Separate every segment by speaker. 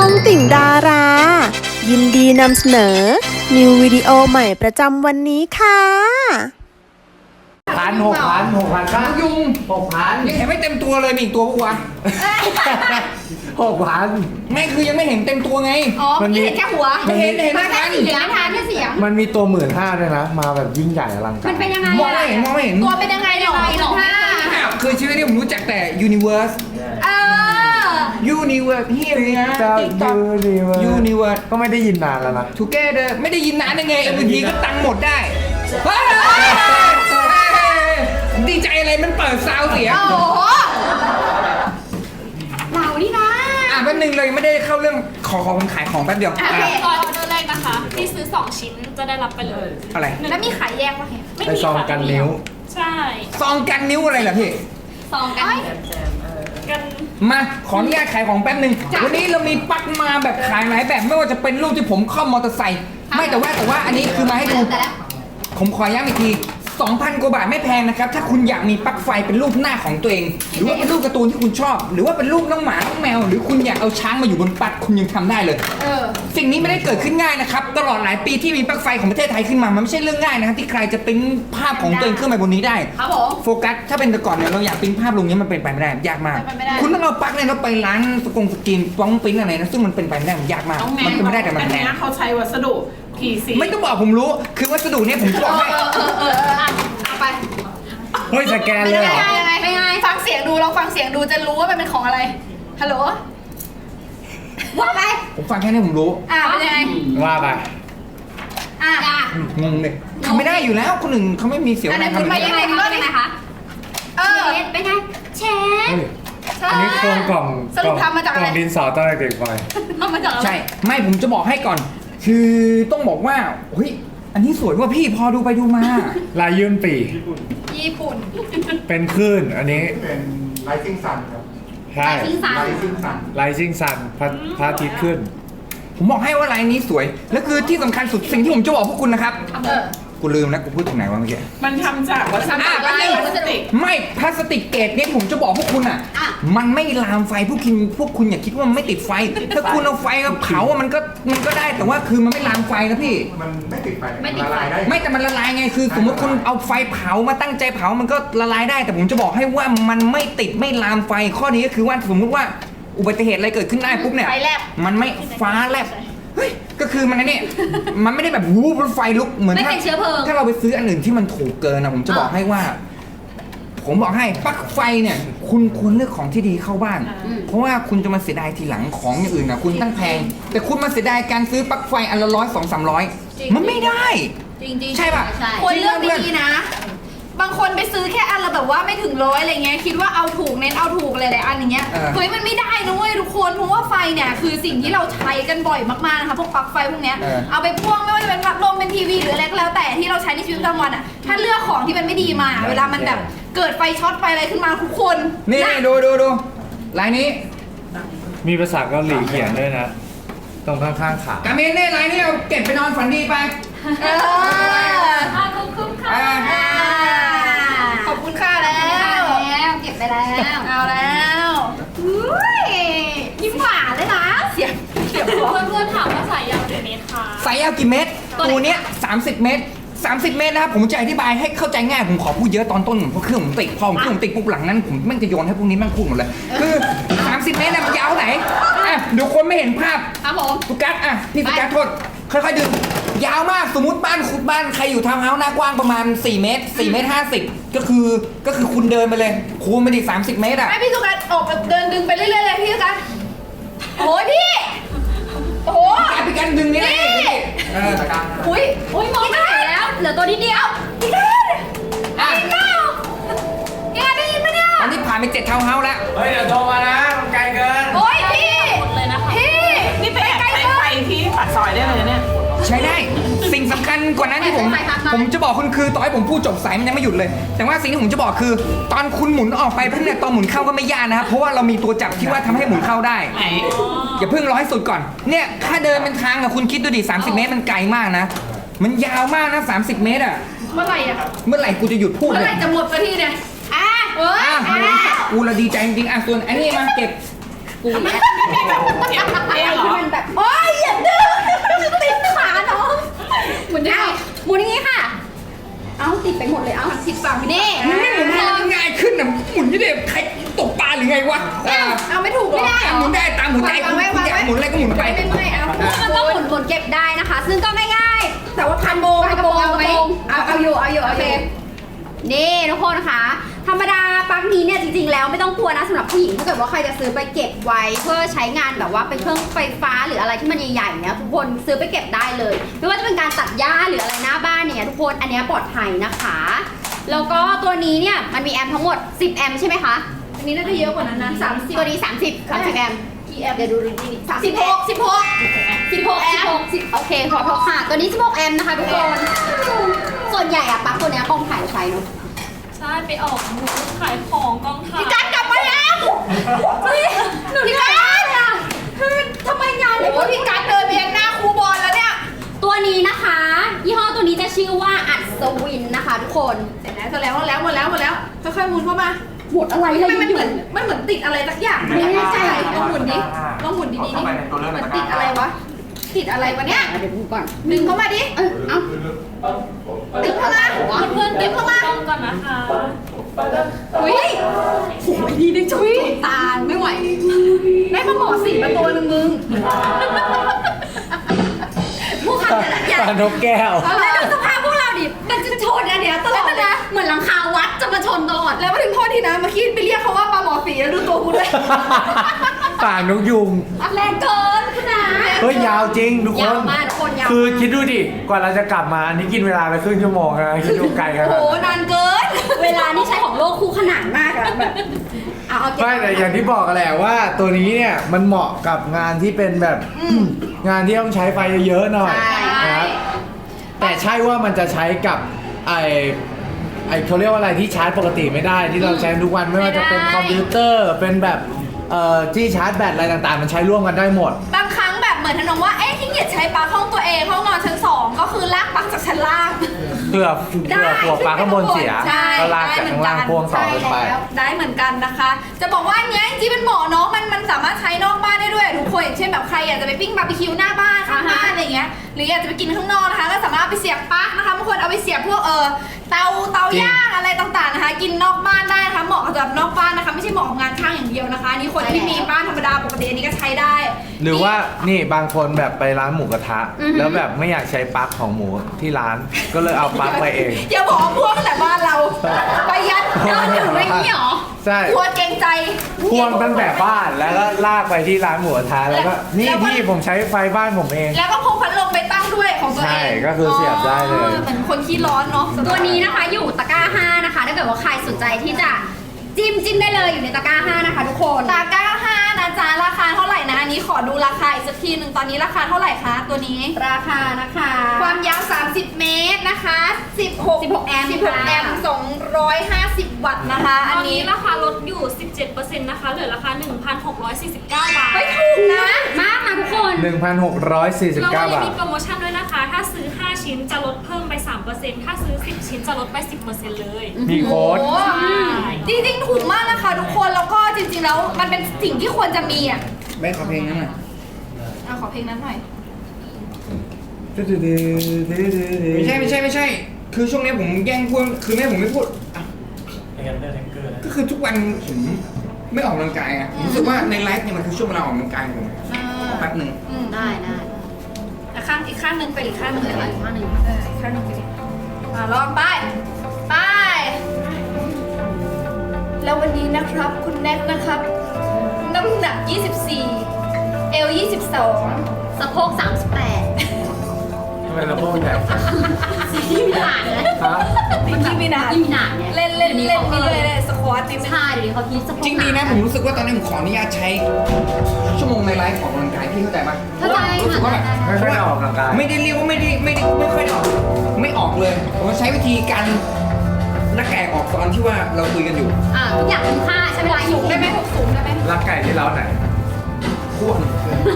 Speaker 1: องติ่งดารา ยินดีนำเสนอ นิววิดีโอใหม่ประจำวันนี้ค่ะ
Speaker 2: 6,000ครับ
Speaker 3: ยุง
Speaker 2: 6,000
Speaker 3: ยังเห็นไม่เต็มตัวเลยมีอีกตัวปะวะ
Speaker 2: 6,000
Speaker 3: ไม่คือยังไม่เห็นเต็มตัวไง
Speaker 4: อ๋อพี่เห็นแค่หัว
Speaker 3: ไม่เห็นเห็น
Speaker 4: มา
Speaker 3: ไม่
Speaker 4: แค่
Speaker 3: ทัน
Speaker 4: เสียงทานแค่เสียง
Speaker 2: มันมีตัว 15,000ด้วยนะ มาแบบยิ่งใหญ่อลังการ
Speaker 4: มันเป็นยังไง
Speaker 3: มองไม่เห็นมองไม่เห็น
Speaker 4: ตัวเป็นยังไงหรอ15
Speaker 3: คือชีวิตนี้ผมรู้จักแต่ Universe
Speaker 4: เออ
Speaker 3: Universe เฮียเลยนะ
Speaker 2: เจ้า
Speaker 3: TikTok
Speaker 2: ยูนิเวิร์
Speaker 3: Universe
Speaker 2: ก็ไม่ได้ยินนานแล้วนะ
Speaker 3: Together ไม่ได้ยินนานได้ไงบางทีก็ตังค์หมดได้เฮ้ยดีใจอะไรมันเปิดซาวเสียง
Speaker 4: โอ้โหเรานี่นะ
Speaker 3: แป๊บนึงเลยไม่ได้เข้าเรื่องขอผมขายของแป๊บเดียว
Speaker 4: โอเค
Speaker 5: ตอนออเดอร์แรกนะคะ ที่ซื้อ 2 ชิ้นจะได้รับไปเลย
Speaker 3: อะไร
Speaker 4: แล้วมีขายแยกปะเห็น
Speaker 5: ไม่
Speaker 2: ไอ
Speaker 5: มี
Speaker 2: ซอง
Speaker 5: ค่ะ
Speaker 2: กันนิ้ว
Speaker 5: ใช่
Speaker 3: ซองกันนิ้วอะไรล่ะพี่
Speaker 4: ซองกัน
Speaker 5: กัน
Speaker 3: มาขออนุญาตขายของแป๊บหนึ่งวันนี้เรามีปลั๊กมาแบบขายหลายแบบไม่ว่าจะเป็นรูปที่ผมคล่อมมอเตอร์ไซค์ไม่แต่ว่าอันนี้คือมาให้ดู
Speaker 4: แต่ละ
Speaker 3: ผมขอย้ำอีกที 2,000 กว่าบาทไม่แพงนะครับ ถ้าคุณอยากมีปลั๊กไฟเป็นรูปหน้าของตัวเอง หรือว่าเป็นรูปการ์ตูนที่คุณชอบ หรือว่าเป็นรูปน้องหมาน้องแมว หรือคุณอยากเอาช้างมาอยู่บนปลั๊กคุณยังทำได้เลย สิ่งนี้ไม่ได้เกิดขึ้นง่ายนะครับ ตลอดหลายปีที่มีปลั๊กไฟของประเทศไทยขึ้นมา มันไม่ใช่เรื่องง่ายนะครับที่ใครจะปริ้นภาพของตัวเองขึ้นมาบนนี้ได้
Speaker 4: ครับผม
Speaker 3: โฟกัสถ้าเป็นแต่ก่อนเนี่ยเราอยากปริ้นภาพลงนี้มันเป็นไปไม่ได้ยากมาก
Speaker 4: เป็นไปไม่ได้
Speaker 3: คุณต้องเอาปลั๊กเนี่ยเราไปร้านสกรีนป้องปริ้นอะไรนะซึ่งมันเป็นไปไม่ได้มันยากมาก มันเป็นไม่ได้แต่มัน
Speaker 6: อัน
Speaker 3: แพง
Speaker 6: เนี้ยเขาใช้วัสดุ PC
Speaker 3: ไม่ต้องบอกผมรู้คือวัสดุเนี่ยผมจะบอกให้
Speaker 4: เอาไป
Speaker 2: เฮ้ยสแกน
Speaker 4: เป็น
Speaker 2: เลย
Speaker 4: ยัง
Speaker 2: เหร
Speaker 4: ไง
Speaker 2: อ
Speaker 4: ยังไงเป็นยังไงฟังเสียงดูลองฟังเสียงดูจะรู้ว่ามันเป็นของอะไรฮัลโหลว่าไป
Speaker 3: ผมฟังแค่นี้ผมรู้
Speaker 4: เป็นยังไง
Speaker 2: ว่าไป
Speaker 3: งงเลยทำไม่ได้อยู่แล้วคนอื่นเขาไม่มีเสียว
Speaker 4: อัน
Speaker 3: แร
Speaker 4: นั้
Speaker 3: ง
Speaker 4: น
Speaker 3: ทำ
Speaker 4: คุณ
Speaker 3: แบบ
Speaker 4: ไป
Speaker 3: นี้
Speaker 4: ยังไงคุณว่ายังไงคะเป็นไงเชฟ
Speaker 2: เฮ้ยอันนี้โครงกล่อง
Speaker 4: สรุปทำมาจากอะไร
Speaker 2: กล่องดินสอตอนเด็กๆไป
Speaker 4: ทำมาจากอะไร
Speaker 3: ใช่ไม่ผมจะบอกให้ก่อน คือต้องบอกว่าเฮ้ยอันนี้สวยว่าพี่พอดูไปดูมา
Speaker 2: ลายยื่นปี
Speaker 4: ญี่ปุ่น
Speaker 2: เป็นคลื่นอันนี้
Speaker 7: เป็น Rising Sun ครับ
Speaker 2: ใช่
Speaker 4: ทิ้งสาร
Speaker 7: Rising Sun
Speaker 2: ไลซิ่งซันพระอาทิตย์ขึ้น
Speaker 3: ผมบอกให้ว่าลายนี้สวยแล้วคือที่สำคัญสุดสิ่งที่ผมจะบอกพวกคุณนะครับ
Speaker 4: เออ
Speaker 3: กูลืมแล้วกูพูดถึงไหนวะเมื่อกี้
Speaker 6: มันทำจากวัสดุ
Speaker 4: ทำจากอะไร
Speaker 6: พลาสติก
Speaker 3: ไม่พลาสติกเกรดเนี่ยผมจะบอกพวกคุณอ่ะ มันไม่ลามไฟพวกคุณอย่าคิดว่ามันไม่ติดไฟ ถ้าคุณเอาไฟมาเผาอะมันก็ได้แต่ว่าคือมันไม่ลามไฟนะพี่
Speaker 7: มันไม่ติดไฟ
Speaker 4: ไม่ติดไฟ
Speaker 7: ละลายได้
Speaker 3: ไม่แต่มันละลายไงคือสมมติคุณเอาไฟเผามาตั้งใจเผามันก็ละลายได้ แต่ผมจะบอกให้ว่ามันไม่ติดไม่ลามไฟข้อนี้ก็คือว่าสมมุติว่าอุบัติเหตุอะไรเกิดขึ้นได้ปุ๊บเนี่ย
Speaker 4: ไฟแลบ
Speaker 3: มันไม่ฟ้าแลบเฮ้ยก็คือมันเนี่ยมันไม่ได้แบบวูบไฟลุกเหมือน
Speaker 4: ไม่เป็นเชื้อเพลิง
Speaker 3: ถ้าเราไปซื้ออันอื่นที่มันถูกเกินนะผมจะบอกให้ว่า ผมบอกให้ปลั๊กไฟเนี่ยคุณควรเลือกของที่ดีเข้าบ้าน เพราะว่าคุณจะมาเสียดายทีหลังของอย่างอื่นนะคุณตั้งแพง แต่คุณมาเสียดายการซื้อปลั๊กไฟอันละ100 200 300 มันไม่ได้
Speaker 4: จริงๆ
Speaker 3: ใช่ป่ะ
Speaker 4: ควรเลือกดีๆนะ บางคนไปซื้อแค่อันละแบบว่าไม่ถึง100อะไรเงี้ยคิดว่าเอาถูกเน้นเอาถูกอะไรหลายอันอย่างเงี้ยเฮ้ยมันไม่ได้นะเว้ยทุกคนเพราะว่าไฟเนี่ยคือสิ่งที่เราใช้กันบ่อยมากๆนะคะพวกปลั๊กไฟพวกเนี้ยเอาไปพ่วงไม่ว่าจะเป็นพัดลมเป็นทีวีหรืออะไรก็แล้วแต่ที่เราใช้ในชีวิตประจำวันอ่ะถ้าเลือกของที่มันไม่ดีมา เวลามันแบบเกิดไฟช็อตไฟอะไรขึ้นมาทุกคน
Speaker 3: นี่
Speaker 4: นะ
Speaker 3: ดูลายนี้
Speaker 2: มีภาษาเกาหลีเขียนด้วยนะ ตรงข้างๆขา
Speaker 3: กาเมนเนี่ยลายนี้เอาเก็บไปนอนฝันดีไป
Speaker 4: เออ
Speaker 5: ขอบคุณค่ะ
Speaker 3: อ่า
Speaker 4: ขอบคุณค่ะแล้วเก็บไปแล้วเอาแล้วอุ้ยยิ้มหวานเลยนะเสียงพอ
Speaker 5: เพื่อนๆถามว่าสายยาวกี่เมตรคะ
Speaker 3: สายยาวกี่เมตรตัวเนี้ย30 เมตร 30 เมตรนะครับผมจะอธิบายให้เข้าใจง่ายผมขอพูดเยอะตอนต้นเพราะเครื่องผมติดพอผมเครื่องผมติดปุ๊บหลังนั้นผมแม่งจะโยนให้พวกนี้แม่งพูดหมดเลยคือ 30 เมตรนะมันยาวเท่าไหนอ่ะเดี๋ยวคนไม่เห็นภาพ
Speaker 4: ครับผม
Speaker 3: สุกัสอ่ะพี่สุกัสโทษค่อยๆดึงยาวมากสมมุติบ้านใครอยู่ทาวน์เฮาส์หน้ากว้างประมาณ4 เมตร4 เมตร 50ก็คือคุณเดินไปเลยคูณไปดิ30 เมตรอ่ะ
Speaker 4: ให้พี่สุกัสออกแบบเดินดึงไปเรื่อยๆเลยพี่สุกัสโอ้ยพี่โอ้โห
Speaker 3: พี่กันดึงนี่เลย
Speaker 4: นี่
Speaker 3: เออ
Speaker 4: อุ้ยมองไม่เห็นแล้วเหลือตัวนิดเดียวพี่กัส
Speaker 3: อ่ะ
Speaker 4: พี่กัสพี่กัสได้ยินไหมเนี่ย
Speaker 3: อันนี้ผ่านไป7 ทาวน์เฮาส์แล้ว
Speaker 2: เฮ้ยเดี๋ยวโทรมานะมันไกลเกิน
Speaker 4: โอ้ยพี่
Speaker 5: หมดเลยนะคะ
Speaker 4: พี่
Speaker 6: นี่ไปแอบใช้ไฟที่ปากซอยได้เลยนะเนี่ย
Speaker 3: ใช้ได้สิ่งสำคัญกว่านั้นที่ผมจะบอกคุณคือต่อให้ผมพูดจบสายมันยังไม่หยุดเลย แต่ว่าสิ่งที่ผมจะบอกคือ ตอนคุณหมุนออกไปปุ๊บเนี่ยตอนหมุนเข้าก็ไม่ยากนะครับเพราะว่าเรามีตัวจับที่ว่าทำให้หมุนเข้าได้
Speaker 6: ไหน
Speaker 3: อย่าเพิ่งร้อยสุดก่อนเนี่ยถ้าเดินเป็นทางอะคุณคิดดูดิ30 เมตรมันไกลมากนะ มันยาวมากนะ30 เมตรอะ
Speaker 4: เมื่อไหร่อะ
Speaker 3: เมื่อไหร่กูจะหยุดพูด
Speaker 4: เมื่อ
Speaker 3: เล
Speaker 4: ไหร่
Speaker 3: ย
Speaker 4: จะหมดสักทีเนี่ยเอ้ย
Speaker 3: กูละดีใจจริงๆอ่ะส่วนอันนี้มาเก็บ
Speaker 4: กูเนี่ย
Speaker 6: เก็บเองเหรอ
Speaker 3: ใจคุณอยากหมุนอะไรก็หมุนไป
Speaker 4: ไม่เมื่อยเอา
Speaker 8: มันต้องหมุนเก็บได้นะคะ ซึ่งก็ง่ายๆ แต่ว่าพันโบกระโปรงเอาไหมเอาอยู่โอเคนี่ทุกคนนะคะธรรมดาปลั๊กนี้เนี่ยจริงๆแล้วไม่ต้องกลัวนะสำหรับผู้หญิงถ้าเกิดว่าใครจะซื้อไปเก็บไว้เพื่อใช้งานแบบว่าเป็นเครื่องไฟฟ้าหรืออะไรที่มันใหญ่ๆเนี่ยทุกคนซื้อไปเก็บได้เลยไม่ว่าจะเป็นการตัดหญ้าหรืออะไรหน้าบ้านเนี่ยทุกคนอันนี้ปลอดภัยนะคะแล้วก็ตัวนี้เนี่ยมันมีแอมป์ทั้งหมด10แอมป์ใช่ไหมคะ
Speaker 4: อันนี้น่าจะเยอะกว่านั้นนะ30
Speaker 8: ตัวนี้30แอมป์
Speaker 4: กี่แอมป์
Speaker 8: เดี๋ยวดูดีๆ16แอมป์โอเคขอโทษค่ะตัวนี้16แอมป์นะคะทุกคนส่วนใหญ่อะปลั๊กตัวเนี้ยกองถ่ายใช้เนาะ
Speaker 5: ใช่ไปออกบูธขายของกองถ่าย
Speaker 8: พี่การกลับมาแล้วพี่การอะทำไมงาน
Speaker 4: โอ้ยพี่การเดินไปยังหน้าครูบอลแล้วเนี่ย
Speaker 8: ตัวนี้นะคะ ยี่ห้อตัวนี้จะชื่อว่าอัศวินนะคะทุกคน
Speaker 4: เสร็จแล้วหมดแล้วค่อยๆหมุนเข้ามา
Speaker 8: หมดอะไรเลย
Speaker 4: มันเหมือนติดอะไรสักอย่าง
Speaker 8: ไม่แน่ใจ
Speaker 4: ลองหมุนดิลองหมุนดีๆดิมันติดอะไรวะติดอะไรวะเนี่ย
Speaker 8: เดี๋ยวดูก่อน
Speaker 4: ดึงเข้ามาดิ
Speaker 8: เอา
Speaker 4: ดึงเข้ามา
Speaker 5: เพื่อนๆ
Speaker 4: ดึ
Speaker 5: เก็
Speaker 4: ง
Speaker 5: บ
Speaker 4: เข้ามา
Speaker 5: ต้องก่อนนะคะ
Speaker 4: อุ้ยโอ้ยดีนึงจุ๊ยตาไม่ไหวได้มาหมอสีมาตัวนึงมึงผู้ขับแต่ละอย่าง
Speaker 2: ปลานกแก้ว
Speaker 8: แล้วดูสภาพพวกเราดิมันจะชนอันเนี้ยตลอดเลยเหมือนหลังคาวัดจะมาชนตลอด
Speaker 4: แล้วมาถึงโทษทีนะเมื่อกี้ไปเรียกเขาว่าปลาหมอสีแล้วดูตัวกูด้วย
Speaker 2: ปากนกยุง
Speaker 8: แรงเกินคุณนะ
Speaker 2: เฮ้ยยาวจริงทุกค
Speaker 8: ยาวน มากทุกคนยาว
Speaker 2: คือคิดดูดิ กว่าเราจะกลับมา อันนี้กินเวลาไปครึ่งชั่วโมงนะคิดดูไกลกัน
Speaker 4: โอ้โหนานเกิน
Speaker 8: เวลานี่ใช้ของโลกคู่ขนานมากอะแบบเอาเก็บ
Speaker 2: ไม่แต่อย่างที่บอกกันแหละว่าตัวนี้เนี่ยมันเหมาะกับงานที่เป็นแบบงานที่ต้องใช้ไฟเยอะๆหน่อย
Speaker 8: ใช่
Speaker 2: นะครับแต่ใช่ว่ามันจะใช้กับไอเขาเรียกว่าอะไรที่ชาร์จปกติไม่ได้ที่เราใช้ทุกวันไม่ว่าจะเป็นคอมพิวเตอร์เป็นแบบที่ชาร์จแบตอะไรต่างๆ มันใช้ร่วมกันได้หมด
Speaker 4: บางครั้งแบบเหมือนทนงว่า เอ๊ะขี้เกียจใช้ปลั๊กห้องตัวเองห้องนอนชั้น 2 ก็คือลากปลั๊กจากชั้นล่าง
Speaker 2: เพื่อหัวปลาข้างบนเสีย
Speaker 4: ใช่
Speaker 2: ก็ลากจากข้างล่างพ่วงต่อขึ้นไป
Speaker 4: ใช่แล้วได้เหมือนกันนะคะ จะบอกว่าอันเนี้ยจริงๆเป็นหมอเนาะมันสามารถใช้นอกบ้านได้ด้วยทุกคนอย่างเช่นแบบใครอยากจะไปปิ้งบาร์บีคิวหน้าบ้านข้างบ้านอะไรเงี้ยหรืออยากจะไปกินข้างนอกนะคะก็สามารถเอาไปเสียบปลั๊กนะคะบางคนเอาไปเสียบพวกเตาย่างอะไรต่างๆนะคะ กินนอกบ้านได้นะคะเหมาะกับนอกบ้านนะคะไม่ใช่เหมาะกับงานช่างอย่างเดียวนะคะอันนี่คนที่มีบ้านธรรมดาปกติอันนี้ก็ใช้ได้
Speaker 2: หรือว่านี่บางคนแบบไปร้านหมูกระทะ แล้วแบบไม่อยากใช้ปลั๊กของหมูที่ร้านก็เลยเอาปลั๊กไปเอง
Speaker 4: อย่าบอกว่าพวกแต่บ้านเราประหยัด
Speaker 8: เดินถึงไม่นี่หรอ
Speaker 2: ใช่
Speaker 4: กลัวเกรงใจ
Speaker 2: พ่วงตั้งแต่บ้านแล้วก็ลากไปที่ร้านหมูกระทะแล้วก็นี่พี่ผมใช้ไฟบ้านผมเอง
Speaker 4: แล้วก็พกพัดลมไปตั้งด้วยของตัวเอง
Speaker 2: ใช่ก็คือเสียบได้เลย
Speaker 4: เหมือนคนขี้ร้อนเนาะ
Speaker 8: ตัวนี้นะคะอยู่ตะกร้า 5 นะคะถ้าเกิดว่าใครสนใจที่จะจิ้มได้เลยอยู่ในตะกร้า 5 นะคะทุกคน
Speaker 4: ตาก้า5นะจ๊ะราคาเท่าไหร่นะอันนี้ขอดูราคาอีกสักทีหนึ่งตอนนี้ราคาเท่าไหร่คะตัวนี้
Speaker 8: ราคานะคะ
Speaker 4: ความยาว 30 เมตรนะคะ16
Speaker 8: แอมป์
Speaker 4: 16 แอมป์250 วัตต์นะคะ
Speaker 5: ต
Speaker 4: อั
Speaker 5: อน น
Speaker 4: นี้
Speaker 5: นี้ราคาลดอยู่ 17%นะคะเหลือราคา 1,649 บาท
Speaker 4: เฮ้ยถูกนะ
Speaker 8: มากนะทุกคน
Speaker 2: 1,649
Speaker 5: เราก็ยัง
Speaker 2: บาท
Speaker 5: มีโปรโมชั่นด้วยนะคะ ถ้าซื้อ 5 ชิ้นจะลดเพิ่มไป 3%ถ้าซื้อ 10 ชิ้นจะลดไป 10%เลย
Speaker 2: มีโค้ด
Speaker 4: โอ้จริงๆถูกมากนะคะทุกคนแล้วก็จริงๆแล้วมันเป็นสิ่งที่ควรจะมีอ่ะ
Speaker 3: ไม่ขอเพลงนั้นหน่อย
Speaker 4: ขอเพลงนั้นหน่อย
Speaker 3: ไม่ใช่ คือช่วงนี้ผมแย่งพูดคือแม่ผมไม่พูดอ่ะก็คือทุกวันผมไม่ออกกำลังกายไงผมรู้สึกว่าในไลฟ์เนี่ยมันคือช่วงเวลาออกกำลังกายของผมขอแป๊บหนึ่ง
Speaker 8: ได้
Speaker 4: อีกข้างหนึ่งไปอีกข้างหนึ่งเลย
Speaker 8: อีกข้างหนึ่ง
Speaker 4: อีกข้างหนึ่งไปดิลองไปแล้ววันนี้นะครับคุณแน็กนะครับ น้ำหนัก 24 เอล 22
Speaker 8: สะโพก38
Speaker 2: ทำไมเราโป้งใหญ่
Speaker 8: ที่มีหนานนะ
Speaker 2: ฮะ
Speaker 4: ที่มีนาน
Speaker 8: ที่มีหนานเนี่ย
Speaker 4: เล่นนี่เลยสควอตนี่
Speaker 8: ใช่เดี๋ยวเขาคิดสะโพก
Speaker 3: จริงดีนะผมรู้สึกว่าตอนนี้ผมขออนุญาตใช้ชั่วโมงในไลฟ์ออกกำลังกายพี่เข้าใจปะ
Speaker 8: เข้าใจ
Speaker 3: รู้สึกว่าแบบ
Speaker 2: ไม่ค่อยได้ออกกำลังกาย
Speaker 3: ไม่ได้เรียกว่าไม่ค่อยได้ออกไม่ออกเลยผมใช้วิธีการนักแกะออกตอนที่ว่าเราคุยกันอยู่
Speaker 8: ทุกอย่างคุ้มค่าใช้เวลาอยู่
Speaker 4: ได้ไหมสูงได้ไหม
Speaker 2: รักไก่ที่เล้าไหน
Speaker 3: พ่วง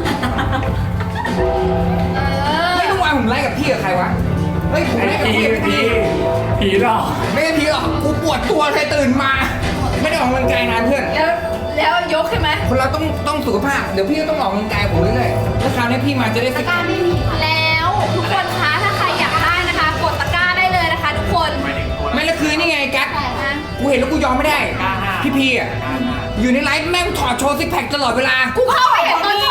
Speaker 3: ไม่รู้ว่าผมไลฟ์กับพี่กับใครวะเฮ้ยผมไลฟ์กับพี่กับพี่
Speaker 2: ผีหรอก
Speaker 3: ไม่ใช่พี่หรอกกูปวดตัวเลยตื่นมา ไม่ได้ออกกำลังกายนานเพื่อน
Speaker 4: แล้วยกใช่ไหม
Speaker 3: คนเราต้องสุขภาพเดี๋ยวพี่ก็ต้องออกกำลังกายผมเรื่อยๆแล้วคราวนี้พี่มาจะได้
Speaker 8: ตะกร้าไม่มีค่ะ
Speaker 4: แล้วทุกคนคะถ้าใครอยากได้นะคะ กดตะกร้าได้เลยนะคะทุกคน
Speaker 3: ไม่และคือนี่ไงกัสกูเห็นแล้วกูยอมไม่ได้พี่อ่ะอยู่ในไลฟ์แม่งถอดโชว์ซิกแพคตลอดเวลา
Speaker 4: กูเข้าไปเห็นตอน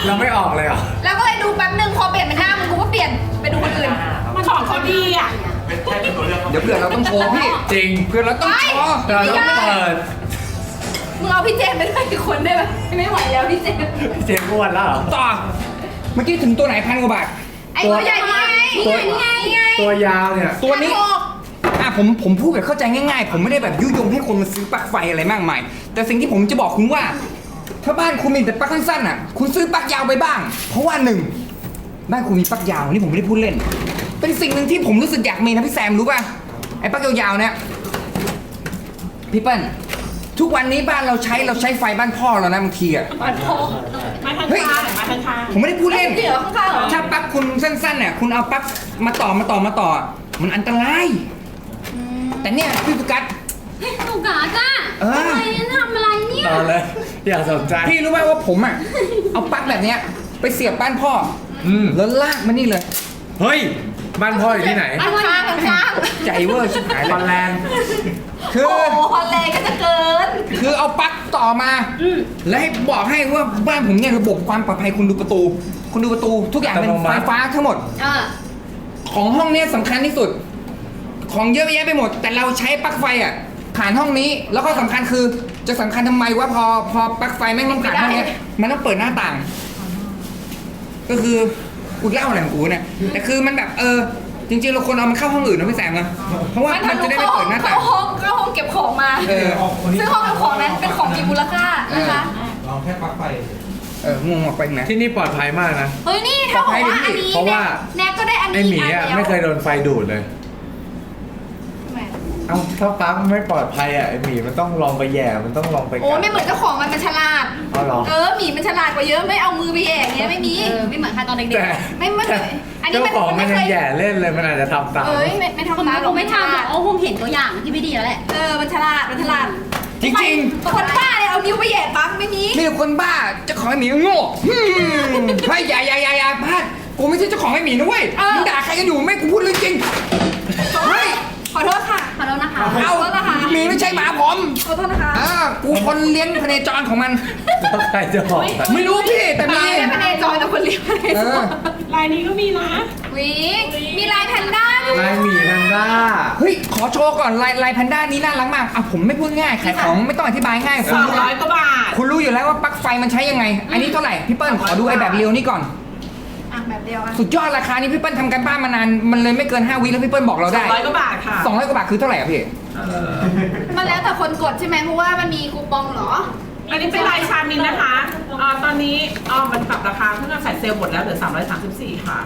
Speaker 2: เราไม่ออกเลยเหรอ
Speaker 4: แล้วก็เลยดูแป๊บนึงพอเปลี่ยนเป็นหน้ามึงกูก็เปลี่ยนไปดูคนอื่น
Speaker 6: ของเขาดีอ่ะ
Speaker 3: เดี๋ยวเผื่อเราต้องโชว์พี่
Speaker 2: จริง
Speaker 3: เผื่อเราต้องโชว์
Speaker 2: เราต้องเปิด
Speaker 4: มึงเอาพี่เจมส์ไปด้วยอีกคนได้ไหมไม่ไหวแล้วพี่เจมส์
Speaker 2: เจมอ้วนแล้วเหรอ
Speaker 3: ต่อ เมื่อกี้ถึงตัวไหน1,000 กว่าบาท
Speaker 4: ไอ้ตัวใหญ่นี่ไงนี่ไงนี่ไง
Speaker 2: ตัวยาวเนี่ย
Speaker 3: ตัวนี้ ผมพูดแบบเข้าใจง่ายๆ ผมไม่ได้แบบยุยงให้คนมาซื้อปลั๊กไฟอะไรมากมาย แต่สิ่งที่ผมจะบอกคุณว่า ถ้าบ้านคุณมีแต่ปลั๊กสั้นๆอ่ะ คุณซื้อปลั๊กยาวไปบ้าง เพราะว่าหนึ่งบ้านคุณมีปลั๊กยาวนี่ผมไม่ได้พูดเล่น เป็นสิ่งหนึ่งที่ผมรู้สึกอยากมีนะพี่แซมรู้ป่ะ ไอ้ปลั๊กยาวๆเนี่ยพี่เปิ้ลทุกวันนี้บ้านเราใช้ไฟบ้านพ่อเรานะบางทีอ่ะ
Speaker 6: มาทาง
Speaker 3: เฮ้ย
Speaker 6: ข้างมาทางข้าง
Speaker 3: ผมไม่ได้พูดเล่น
Speaker 4: เดี๋ยวข้างๆเหรอ
Speaker 3: ถ้าปลั๊กคุณสั้นๆเนี่ยคุณเอาปลั๊กมาต่อมันอันตราย แต่เนี่ยพี่โฟกัส
Speaker 8: หนูกาจ้า
Speaker 3: เออ
Speaker 8: ทำไมทำอะไรเนี่ย
Speaker 2: ต่อเลย อย่าสนใจ
Speaker 3: พี่รู้ไหมว่าผมอ่ะ เอาปลั๊กแบบเนี้ยไปเสียบบ้านพ่อ แล้วลากมานี่เลย
Speaker 2: เฮ้ย บ้านพ่ออยู่ที่ไหน
Speaker 4: ข้าง
Speaker 3: ใจเวอร์ชิบหาย
Speaker 2: ฮอล
Speaker 3: เล
Speaker 2: แล
Speaker 3: ย
Speaker 2: นด์
Speaker 3: คือ
Speaker 4: โอ้โหฮอลแลนด์ก็จะเกิน
Speaker 3: คือเอาปลั๊กต่อมา แล้วให้บอกให้ว่าบ้านผมเนี่ยระบบความปลอดภัยคุณดูประตู ทุกอย่างเป็นไฟฟ้าทั้งหมด ของห้องเนี้ยสำคัญที่สุด ของเยอะแยะไปหมด แต่เราใช้ปลั๊กไฟอ่ะผ่านห้องนี้ แล้วก็สำคัญคือจะสำคัญทำไมว่าพอปลั๊กไฟแม่งต้องผ่านห้องเนี้ยมันต้องเปิดหน้าต่าง ก็คือกูเล่าอะไรของกูเนี่ยแต่คือมันแบบจริงๆเราควรเอามันเข้าห้องอื่นนะพี่แซมนะเพราะว่ามันจะได้ไม่เปิดหน้าต่าง
Speaker 4: เข้าห้องเก็บของมา ซึ่งห้องเก็บของนั้นเป็นของมีมูลค่านะคะ
Speaker 7: ลองแค่ปลั๊กไฟ
Speaker 3: งงออกไปนะ
Speaker 2: ที่นี่ปลอดภัยมากนะ
Speaker 4: เฮ้ยนี่ถ้าบอกว่าอันนี้
Speaker 2: เพราะว่า
Speaker 4: แน็กก็ได้อัน
Speaker 2: ไอ
Speaker 4: นี้
Speaker 2: หมีอ่ะ
Speaker 4: แล้ว
Speaker 2: ไม่เคยโดนไฟดูดเลย
Speaker 4: ทำไม
Speaker 2: เอ้าถ้าปลั๊กไม่ปลอดภัยอ่ะไอหมีมันต้องลองไปแย่ มันต้องลองไป
Speaker 4: โอ้ไม่เหมือนเจ้าของมันฉลาด
Speaker 2: เอาเหรอ
Speaker 4: หมีมันฉลาดกว่าเยอะไม่เอามือไปแย่อย่างเงี้ยไม่มี
Speaker 8: ไม่เหมือนใครตอนเด็ก
Speaker 2: แต่
Speaker 4: ไม่
Speaker 2: แต่
Speaker 4: อันนี้
Speaker 2: เจ้าของมันยัง
Speaker 4: เคย
Speaker 2: แย่เล่นเลยมันอาจจะทำตาม
Speaker 4: ไม่
Speaker 8: ๆ
Speaker 4: ทำ
Speaker 8: ผม
Speaker 4: ตามหรอก
Speaker 8: ไม่ทำหรอกเอาคงเห็นตัวอย่างที่ไม่ดีแล้วแหละ
Speaker 4: มันฉลาด
Speaker 3: จริง
Speaker 4: คนบ้าเลยเอานิ้วไปแย่ปั๊บไม่มี
Speaker 3: ๆมีแต่คนบ้าเจ้าของไอ้หมีก็โง่เฮ้ยอย่าพลาดกูไม่ใช่เจ้าของไอ้หมีนะเว้ยมึงด่าใครกันอยู่ไม่กูพูดเรื่องจริงเฮ้ย
Speaker 4: ขอโทษค่ะ
Speaker 8: ขอโทษนะคะ
Speaker 3: เอาหมีไม่ใช่หมาผม
Speaker 4: ขอโทษนะคะ
Speaker 3: กูคนเลี้ยงพเนจรของมัน
Speaker 2: แล้วใครจะบอกอะ
Speaker 3: ไม่รู้พี่แต่มี
Speaker 4: ไม่ได้พเนจรแต่คนเลี้ยงพเนจร
Speaker 6: ลายนี้ก็มีนะ
Speaker 4: วิมีลายแพนด้าด้วย
Speaker 2: ลายหมีแพนด้า
Speaker 3: เฮ้ยขอโชว์ก่อนลายแพนด้านี้น่ารักมากผมไม่พูดง่ายขายของไม่ต้องอธิบายง่ายคุณรู้
Speaker 6: 200 กว่าบาท
Speaker 3: คุณรู้อยู่แล้วว่าปลั๊กไฟมันใช้ยังไง อันนี้เท่าไหร่พี่เปิ้ลขอดูไอ้แบบเรียวนี่ก่อน
Speaker 4: แบบเดียวกัน
Speaker 3: สุดยอดราคานี้พี่เปิ้ลทำกันบ้านมานานมันเลยไม่เกิน5 วิแล้วพี่เปิ้ลบอกเราได้
Speaker 6: 200 กว่าบาทค่ะ
Speaker 3: 200 กว่าบาทคือเท่าไหร่อะพี่
Speaker 4: มันแล้วแต่คนกดใช่ไหมเพราะว่ามันมีคูปองเหรอ
Speaker 6: อันนี้เป็นลายชามินนะคะตอนนี้มันปรับราคาเพิ่งจะใส่เซลล์หมดแล้วเหลือ334ค่ะ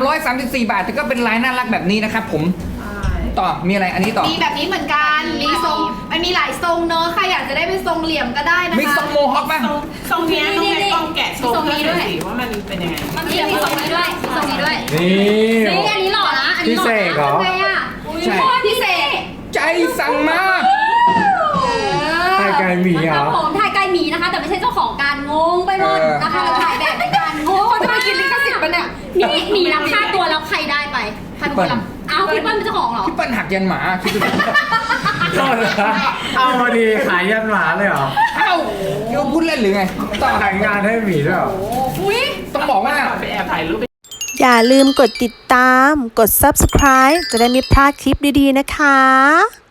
Speaker 3: 334 บาทแต่ก็เป็นลายน่ารักแบบนี้นะครับผม
Speaker 6: ใช่
Speaker 3: ต่อมีอะไรอันนี้ต่อ
Speaker 4: มีแบบนี้เหมือนกันมีทรงมันมีหลายทรงเนอะใครอยากจะได้เป็นทรงเหลี่ยมก็ได้นะคะ
Speaker 3: มีทรงโมฮอคป่ะ
Speaker 6: ทรงเนี้ยน้องแม็กต้องแกะโชว์เพื่อนหน่อยสิว่ามันเป็นยังไง
Speaker 8: มันมีทรงนี้ด้วยมีทรงนี้ด้วย
Speaker 2: นี่
Speaker 8: นี่อันนี้หล่อนะอันนี้หล่อ
Speaker 2: พิเศษเหรอ
Speaker 8: ทำไงอ่ะ
Speaker 3: ใช่
Speaker 8: โคตรพิเศษ
Speaker 3: ใจสั่งมา
Speaker 2: ไก่ไก่หมีเหร
Speaker 8: ครั
Speaker 2: อบ
Speaker 8: ผมถ่ายไกลหมีนะคะ แต่ไม่ใช่เจ้าของการงงไปหมดนะคะเราถ่ายแบบในการงง
Speaker 4: เขาจะมากินลิขสิทธิ์ปะเนี่ย
Speaker 8: นี่หมีรับค่าตัวแล้วใครได้ไปใครเป็นคนรับอ้าวพี่เปิ้ลเป็นเจ้าของเหรอ
Speaker 3: พี่เปิ้ลหักยันหมาคิดดูดิ
Speaker 2: โทษนะเอามาดีขายยันหมาเลยเหรอ
Speaker 3: เอ้าเกี่ยวพูดเล่นหรือไงต่อ
Speaker 2: ขายงานให้หมีด้วยเหรอ
Speaker 4: อุ้ย
Speaker 3: ต้องบอกว่า
Speaker 6: ไปแอบถ่ายรูป
Speaker 1: อย่าลืมกดติดตาม กด subscribe จะได้ไม่พลาดคลิปดีๆนะคะ